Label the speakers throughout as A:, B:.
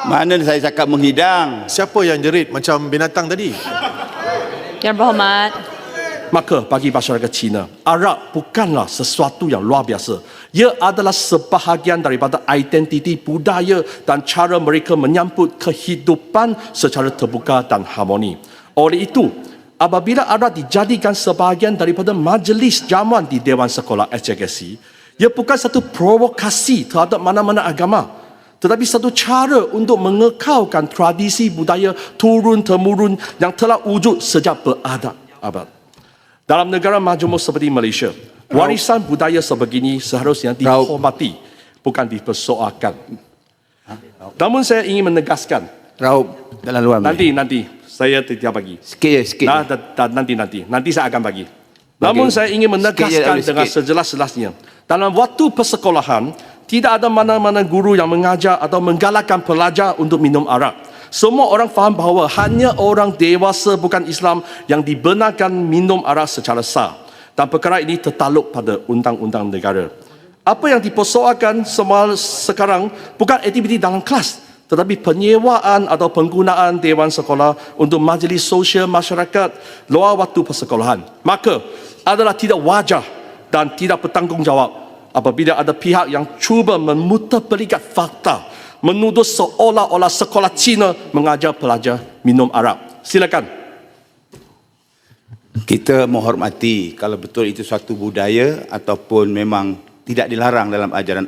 A: Mana saya cakap menghidang?
B: Siapa yang jerit macam binatang tadi?
C: Yang berhormat.
D: Maka bagi masyarakat Cina, Arab bukanlah sesuatu yang luar biasa. Ia adalah sebahagian daripada identiti budaya dan cara mereka menyambut kehidupan secara terbuka dan harmoni. Oleh itu, apabila Arab dijadikan sebahagian daripada majlis jamuan di Dewan Sekolah SJKC, ia bukan satu provokasi terhadap mana-mana agama, tetapi satu cara untuk mengekalkan tradisi budaya turun-temurun yang telah wujud sejak berabad-abad. Dalam negara majmuk seperti Malaysia, warisan budaya sebegini seharusnya dihormati, bukan dipersoalkan. Namun saya ingin menegaskan,
A: Raup dalam luar.
D: nanti saya tidak bagi.
A: Sikit je, sikit.
D: Nanti saya akan bagi. Namun saya ingin menegaskan dengan sejelas-jelasnya, dalam waktu persekolahan tidak ada mana-mana guru yang mengajar atau menggalakkan pelajar untuk minum arak. Semua orang faham bahawa hanya orang dewasa bukan Islam yang dibenarkan minum arak secara sah. Dan perkara ini tertakluk pada undang-undang negara. Apa yang dipersoalkan sekarang bukan aktiviti dalam kelas, tetapi penyewaan atau penggunaan Dewan Sekolah untuk majlis sosial masyarakat luar waktu persekolahan. Maka adalah tidak wajar dan tidak bertanggungjawab apabila ada pihak yang cuba memutarbalikan fakta, menuduh seolah-olah sekolah Cina mengajar pelajar minum arak. Silakan.
A: Kita menghormati kalau betul itu suatu budaya ataupun memang tidak dilarang dalam ajaran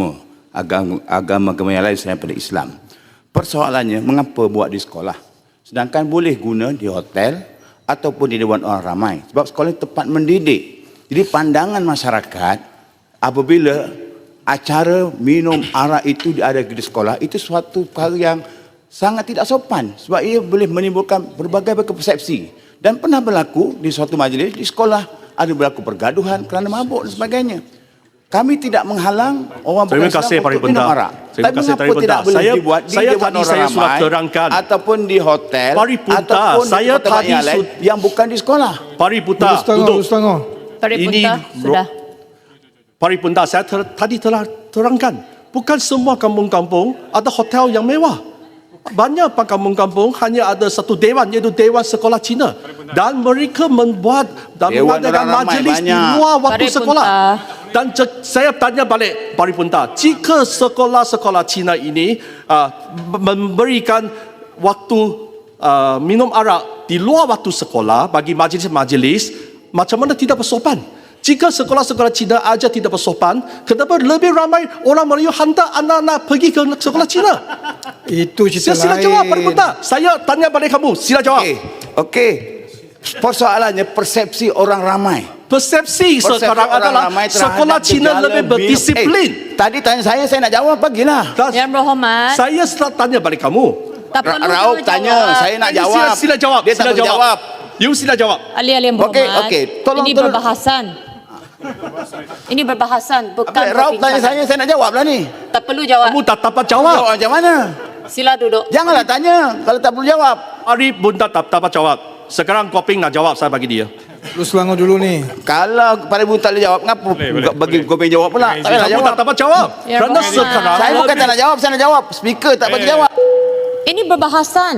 A: agama yang lain selain daripada Islam. Persoalannya, mengapa buat di sekolah? Sedangkan boleh guna di hotel ataupun di dewan orang ramai. Sebab sekolah itu tempat mendidik. Jadi pandangan masyarakat apabila acara minum arak itu ada di sekolah, itu suatu perkara yang sangat tidak sopan. Sebab ia boleh menimbulkan berbagai persepsi. Dan pernah berlaku di suatu majlis di sekolah, ada berlaku pergaduhan kerana mabuk dan sebagainya. Kami tidak menghalang orang bukan Islam untuk minum arak.
D: Terima kasih Paripurna. Saya tadi saya sudah terangkan
A: ataupun di hotel
D: Paripurna,
A: ataupun
D: saya
A: di tempat yang lain yang bukan di sekolah.
D: Paripurna, duduk.
C: Paripurna, sudah.
D: Paripurna, saya tadi telah terangkan. Bukan semua kampung-kampung ada hotel yang mewah. Banyak kampung-kampung hanya ada satu dewan, iaitu Dewan Sekolah Cina. Dan mereka membuat dan mengadakan majlis di luar waktu sekolah. Dan saya tanya balik Paripurna, jika sekolah-sekolah Cina ini memberikan waktu minum arak di luar waktu sekolah bagi majlis-majlis, macam mana tidak bersopan? Jika sekolah-sekolah Cina aja tidak bersopan, kenapa lebih ramai orang Melayu hantar anak-anak pergi ke sekolah Cina?
E: Itu cerita lain.
D: Sila jawab, Paripurna. Saya tanya balik kamu, sila jawab.
A: Okey. Persoalannya persepsi orang ramai.
D: Persepsi sekarang adalah sekolah Cina lebih berdisiplin.
A: Tadi tanya saya nak jawab, bagilah.
C: Yang berhormat.
D: Saya setelah tanya balik kamu.
C: Tak perlu
A: Raup tanya, saya nak jawab.
D: Sila jawab.
A: Dia tak boleh jawab.
D: You sila jawab.
C: Ahli-ahli yang berhormat.
A: Okey.
C: Ini berbahasan. Ini berbahasan, bukan
A: Raup tanya saya nak jawab lah ni.
C: Tak perlu jawab.
D: Kamu tak dapat jawab.
A: Jawab macam mana?
C: Sila duduk.
A: Janganlah tanya kalau tak perlu jawab.
D: Paripurna tak dapat jawab. Sekarang Koping nak jawab, saya bagi dia.
E: Lu Selangor dulu ni.
A: Kalau Paripurna tak boleh jawab, ngapa bagi Koping jawab pula? Tak payah
D: Kamu
A: jawab.
D: tak dapat jawab.
C: Ya,
D: Kerana
C: berhormat.
D: sekarang
A: Saya bukan tak nak jawab, saya nak jawab. Speaker tak bagi jawab.
C: Ini berbahasan.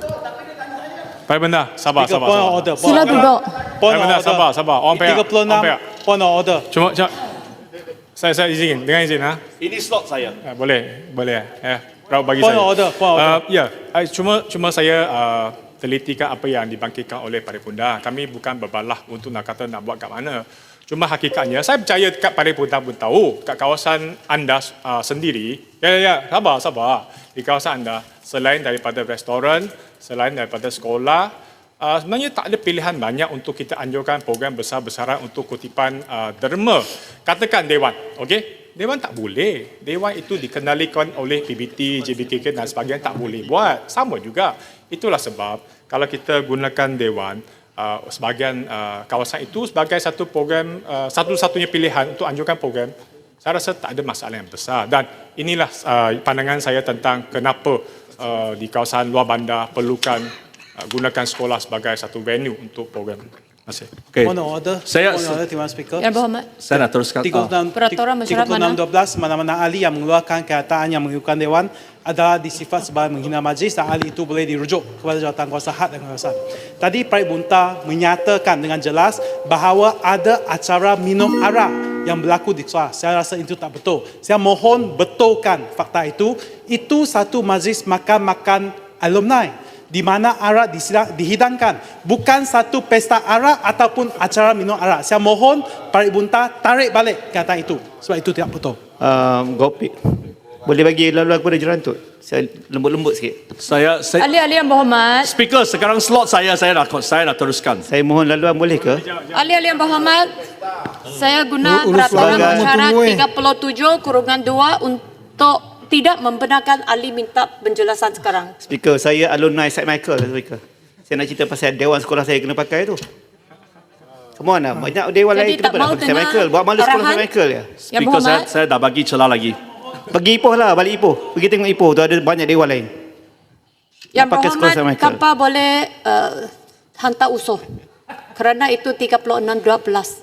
F: Paripurna, sabar.
C: Sila duduk.
F: Paripurna, sabar. Orang pihak.
G: 36 point of order.
F: Cuma saya izin, dengan izin ha.
D: ini slot saya.
F: Boleh. Raup bagi
G: Point
F: saya.
G: of order, point of order.
F: Ya, cuma saya telitikan apa yang dibangkitkan oleh Paripurna. Kami bukan berbalah untuk nak kata nak buat kat mana. Cuma hakikatnya saya percaya dekat Paripurna pun tahu kat kawasan anda sendiri. Ya, sabar. Di kawasan anda selain daripada restoran, selain daripada sekolah, sebenarnya tak ada pilihan banyak untuk kita anjurkan program besar-besaran untuk kutipan derma. Katakan Dewan, okey? Dewan tak boleh. Dewan itu dikenalikan oleh PBT, JBKK dan sebagainya, tak boleh buat. Sama juga. Itulah sebab kalau kita gunakan Dewan, sebahagian kawasan itu sebagai satu program, satu-satunya pilihan untuk anjurkan program, saya rasa tak ada masalah yang besar. Dan inilah pandangan saya tentang kenapa di kawasan luar bandar perlukan gunakan sekolah sebagai satu venue untuk program.
D: Okey.
G: Point of order.
D: Saya-
G: Point of order, Timbalan Speaker.
C: Yang berhormat.
D: Saya nak teruskan.
G: 36,
C: Peraturan mesyuarat mana?
G: 36.12 mana-mana ahli yang mengeluarkan kenyataan yang mengikutkan Dewan adalah disifat sebagai menghina majlis dan ahli itu boleh dirujuk kepada jawatankuasa had dan kekuasaan. Tadi Prarit Bunta menyatakan dengan jelas bahawa ada acara minum arak yang berlaku di sekolah. Saya rasa itu tak betul. Saya mohon betulkan fakta itu. Itu satu majlis makan-makan alumni di mana arak dihidangkan, bukan satu pesta arak ataupun acara minum arak. Saya mohon Prarit Bunta tarik balik kata itu sebab itu tidak betul.
H: Gopik, boleh bagi laluan kepada Jerantut? Saya lembut-lembut sikit.
D: Saya
C: Ahli-ahli yang berhormat.
D: Speaker, sekarang slot saya nak teruskan.
H: Saya mohon laluan boleh ke?
C: Ahli-ahli yang berhormat. Saya guna
E: Urus
C: peraturan
E: pelanggan.
C: mesyuarat
E: Tunggu,
C: 37/2 untuk tidak membenarkan ahli minta penjelasan sekarang.
H: Speaker, saya alumni St. Michael, Speaker. Saya nak cerita pasal dewan sekolah saya kena pakai tu. Come on lah, banyak dewan
C: Jadi
H: lain
C: tak
H: kena
C: mau
H: pakai St.
C: dengar
H: Michael. Buat malu sekolah
C: arahan?
H: St. Michael ya.
C: Yang
D: Speaker,
C: berhormat.
D: saya dah bagi celah lagi.
H: Pergi Ipoh lah, balik Ipoh. Pergi tengok Ipoh, tu ada banyak dewan lain.
C: Yang
H: pakai sekolah
C: berhormat,
H: St. Michael.
C: kapal boleh hantar usul. Kerana itu 36/12.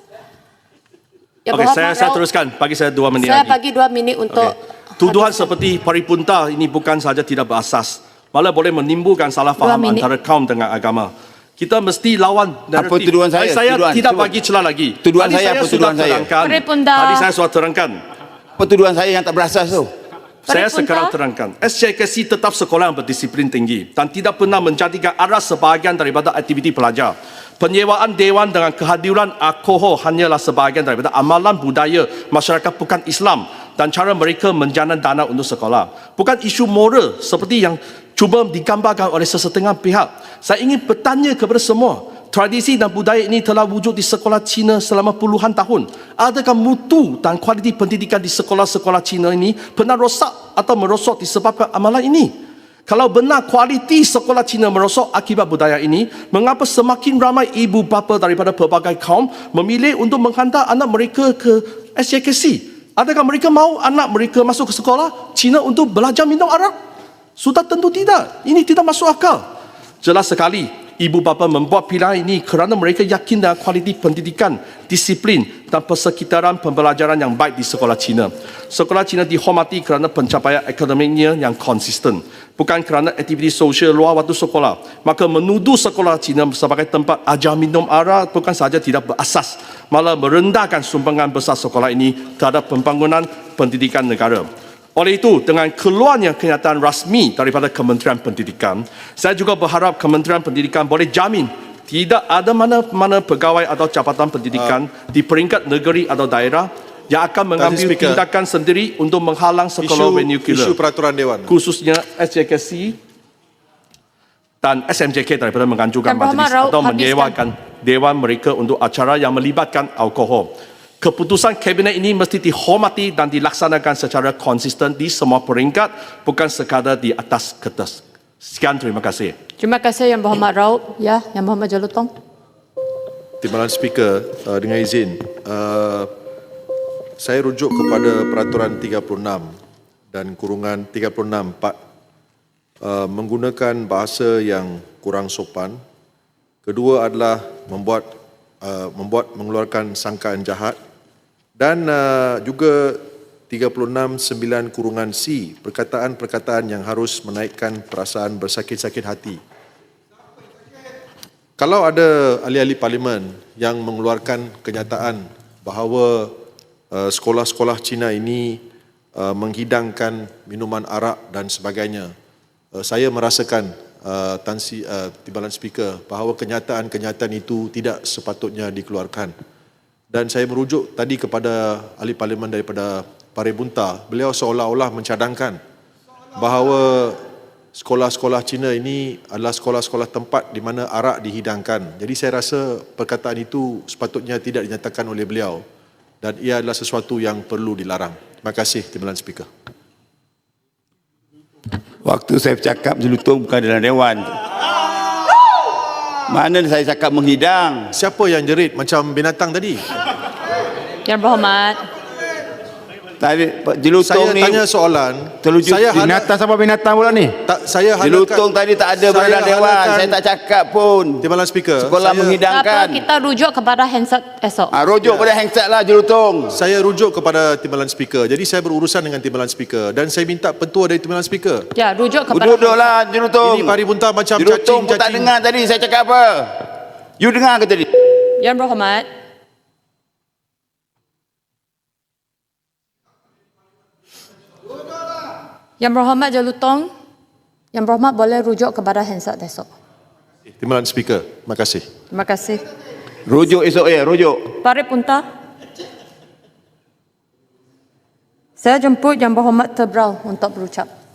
C: Yang
D: Okey,
C: berhormat,
D: saya
C: Raut,
D: teruskan. Bagi saya 2 minit
C: saya
D: lagi.
C: bagi 2 minit untuk
D: Tuduhan seperti Prarit Bunta ini bukan sahaja tidak berasas, malah boleh menimbulkan salah faham
C: minit.
D: antara kaum dengan agama. Kita mesti lawan naratif.
A: Apa tuduhan saya?
D: Saya
A: Tuduhan.
D: tidak
A: Cuba.
D: bagi celah lagi.
A: Tuduhan
D: Tadi
A: saya apa
D: sudah
A: tuduhan saya?
D: terangkan.
C: Prarit Bunta.
D: Tadi saya sudah terangkan.
A: Petuduhan saya yang tak berasas tu.
D: Saya
C: Prarit Bunta.
D: sekarang terangkan. SJKC tetap sekolah yang berdisiplin tinggi dan tidak pernah menjadikan aras sebahagian daripada aktiviti pelajar. Penyewaan dewan dengan kehadiran alkohol hanyalah sebahagian daripada amalan budaya masyarakat bukan Islam dan cara mereka menjana dana untuk sekolah. Bukan isu moral seperti yang cuba digambarkan oleh sesetengah pihak. Saya ingin bertanya kepada semua, tradisi dan budaya ini telah wujud di sekolah Cina selama puluhan tahun. Adakah mutu dan kualiti pendidikan di sekolah-sekolah Cina ini pernah rosak atau merosot disebabkan amalan ini? Kalau benar kualiti sekolah Cina merosot akibat budaya ini, mengapa semakin ramai ibu bapa daripada pelbagai kaum memilih untuk menghantar anak mereka ke SJKC? Adakah mereka mahu anak mereka masuk ke sekolah Cina untuk belajar minum arak? Sudah tentu tidak. Ini tidak masuk akal. Jelas sekali, ibu bapa membuat pilihan ini kerana mereka yakin dengan kualiti pendidikan, disiplin dan persekitaran pembelajaran yang baik di sekolah Cina. Sekolah Cina dihormati kerana pencapaian akademiknya yang konsisten, bukan kerana aktiviti sosial luar waktu sekolah. Maka menuduh sekolah Cina sebagai tempat ajar minum arak bukan sahaja tidak berasas, malah merendahkan sumbangan besar sekolah ini terhadap pembangunan pendidikan negara. Oleh itu, dengan keluarnya kenyataan rasmi daripada Kementerian Pendidikan, saya juga berharap Kementerian Pendidikan boleh jamin tidak ada mana-mana pegawai atau jabatan pendidikan di peringkat negeri atau daerah yang akan mengambil
B: Speaker.
D: tindakan sendiri untuk menghalang sekolah vernacular,
B: Isu peraturan Dewan.
D: khususnya SJKC dan SMJK daripada menganjurkan
C: Yang berhormat,
D: majlis
C: Raut,
D: atau
C: habiskan.
D: menyewakan dewan mereka untuk acara yang melibatkan alkohol. Keputusan kabinet ini mesti dihormati dan dilaksanakan secara konsisten di semua peringkat, bukan sekadar di atas kertas. Sekian, terima kasih.
C: Terima kasih yang berhormat Raut. Ya, yang berhormat Jalutong.
B: Timbalan Speaker, dengan izin, saya rujuk kepada peraturan 36 dan kurungan 36(4), menggunakan bahasa yang kurang sopan. Kedua adalah membuat mengeluarkan sangkaan jahat, dan juga 36(9)(C), perkataan-perkataan yang harus menaikkan perasaan bersakit-sakit hati. Kalau ada ahli-ahli parlimen yang mengeluarkan kenyataan bahawa sekolah-sekolah Cina ini menghidangkan minuman arak dan sebagainya, saya merasakan Timbalan Speaker bahawa kenyataan-kenyataan itu tidak sepatutnya dikeluarkan. Dan saya merujuk tadi kepada ahli parlimen daripada Prarit Bunta. Beliau seolah-olah mencadangkan bahawa sekolah-sekolah Cina ini adalah sekolah-sekolah tempat di mana arak dihidangkan. Jadi saya rasa perkataan itu sepatutnya tidak dinyatakan oleh beliau dan ia adalah sesuatu yang perlu dilarang. Terima kasih, Timbalan Speaker.
A: Waktu saya bercakap Jelutong bukan dalam dewan. Mana saya cakap menghidang?
B: Siapa yang jerit macam binatang tadi?
C: Yang berhormat.
A: Tadi Pak Jelutong
B: Saya
A: ni
B: tanya soalan.
A: terlucu
B: Saya hala-
E: Binatang siapa binatang pula ni?
B: saya
A: Jelutong tadi tak ada berada dewan.
B: halakan
A: Saya tak cakap pun.
B: Timbalan Speaker.
A: Sekolah
C: Tak apa,
A: menghidangkan.
C: kita rujuk kepada handset esok.
A: Rujuk pada handset lah Jelutong.
B: Saya rujuk kepada Timbalan Speaker. Jadi saya berurusan dengan Timbalan Speaker dan saya minta petua dari Timbalan Speaker.
C: Ya, rujuk kepada
A: Duduklah Jelutong.
B: Ini paribunta macam
A: Jelutong pun tak
B: cacing-cacing.
A: dengar tadi saya cakap apa. You dengar ke tadi?
C: Yang Berhormat, Yang Berhormat Jelutong, Yang Berhormat boleh rujuk kepada handset esok.
B: Timbalan Speaker. Terima kasih.
C: Terima kasih.
A: Rujuk esok ya, rujuk.
C: Paripunta. Saya jemput Yang Berhormat Tebrau untuk berucap.